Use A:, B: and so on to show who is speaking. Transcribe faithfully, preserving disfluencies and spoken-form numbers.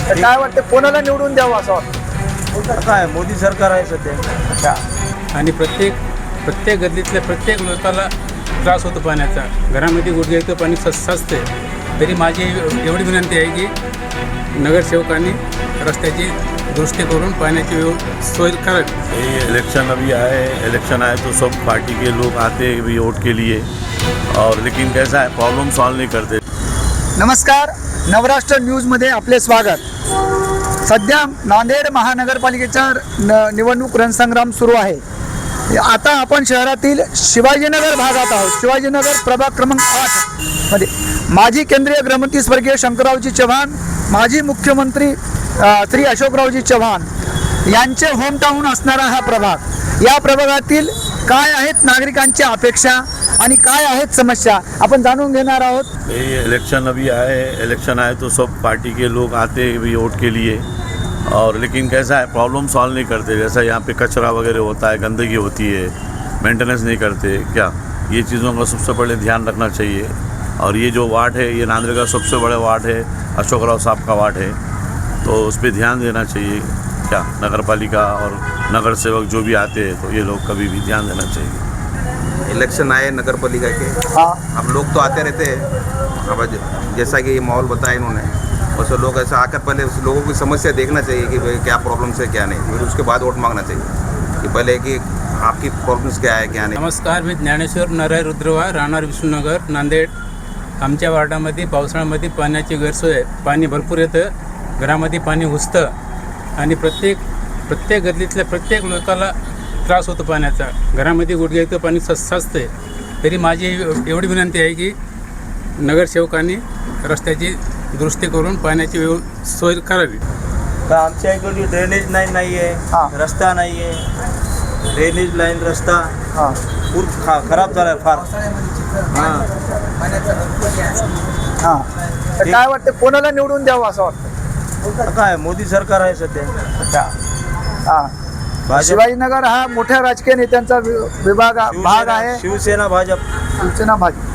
A: तर काय वाटतं कोणाला निवडून द्यावं असं वाटतं?
B: काय मोदी सरकार आहे सध्या.
A: अच्छा.
C: आणि प्रत्येक प्रत्येक गल्लीतल्या प्रत्येक लोकाला त्रास होतो पाण्याचा. घरामध्ये गुडघे इतकं पाणी सस साचते. तरी माझी एवढी विनंती आहे की नगरसेवकांनी रस्त्याची दुरुस्ती करून पाण्याची व्यव सोय करावी.
D: ये इलेक्शन अभी आए इलेक्शन आए तो सब पार्टी के लोग आते हैं भी वोट के लिए, और लेकिन कैसा है प्रॉब्लम सॉल्व नहीं करते.
A: नमस्कार, नवराष्ट्र न्यूजमध्ये आपले स्वागत. सध्या नांदेड महानगरपालिकेचा न निवडणूक रणसंग्राम सुरू आहे. आता आपण शहरातील शिवाजीनगर भागात आहोत. शिवाजीनगर प्रभाग क्रमांक आठ मध्ये माजी केंद्रीय गृहमंत्री स्वर्गीय शंकररावजी चव्हाण, माजी मुख्यमंत्री अ, श्री अशोकरावजी चव्हाण यांचे होमटाऊन असणारा हा प्रभाग. या प्रभागातील काय आहेत नागरिकांच्या अपेक्षा आणि काय आहेत समस्या आपण जाणून घेणार आहोत.
D: ये इलेक्शन अभी आए इलेक्शन आए तो सब पार्टी के लोग आते हैं भी वोट के लिए, और लेकिन कैसा है प्रॉब्लम सॉल्व नहीं करते. जैसा यहाँ पे कचरा वगैरह होता है, गंदगी होती है, मेंटेनेंस नहीं करते. क्या ये चीज़ों का सबसे पहले ध्यान रखना चाहिए. और ये जो वार्ड है ये नांदेड़ का सबसे बड़ा वार्ड है, अशोकराव साहब का वार्ड है, तो उस पर ध्यान देना चाहिए. क्या नगर पालिका और नगर सेवक जो भी आते हैं तो ये लोग कभी भी ध्यान देना चाहिए.
E: इलेक्शन आए नगर पालिका के,
A: हाँ.
E: अब लोग तो आते रहते हैं. अब जैसा कि ये माहौल बताया इन्होंने, वैसे लोग ऐसा आकर पहले उस लोगों की समस्या देखना चाहिए कि भाई क्या प्रॉब्लम्स है क्या नहीं, फिर उसके बाद वोट मांगना चाहिए कि पहले कि आपकी प्रॉब्लम्स क्या है क्या नहीं.
C: नमस्कार, मी ज्ञानेश्वर नरय रुद्रवा, राहणार विष्णुनगर, नांदेड. आमच्या वार्डामध्ये पावसाळ्यामध्ये पाण्याची गैरसोय आहे. पाणी भरपूर येतं, घरामध्ये पाणी घुसतं आणि प्रत्येक प्रत्येक गल्लीतल्या प्रत्येक लोकाला त्रास होतो पाण्याचा. घरामध्ये गुडघे इतकं पाणी सस साचते. तरी माझी एवढी विनंती आहे की नगरसेवकांनी रस्त्याची दुरुस्ती करून पाण्याची व्यव सोय करावी.
B: तर आमच्या इकडे ड्रेनेज लाईन नाही
A: हा.
B: आहे, रस्ता नाही आहे. ड्रेनेज लाईन रस्ता
A: हां
B: पूर खा खराब झाला आहे फार. हां
A: हां. तर काय वाटतं कोणाला निवडून द्यावं असं वाटतं?
B: काय मोदी सरकार आहे सध्या.
A: अच्छा. हां.
B: भाजप
A: शिवाजीनगर हा मोठ्या राजकीय नेत्यांचा वि- विभाग भाग आहे.
B: शिवसेना भाजप.
A: शिवसेना भाजप.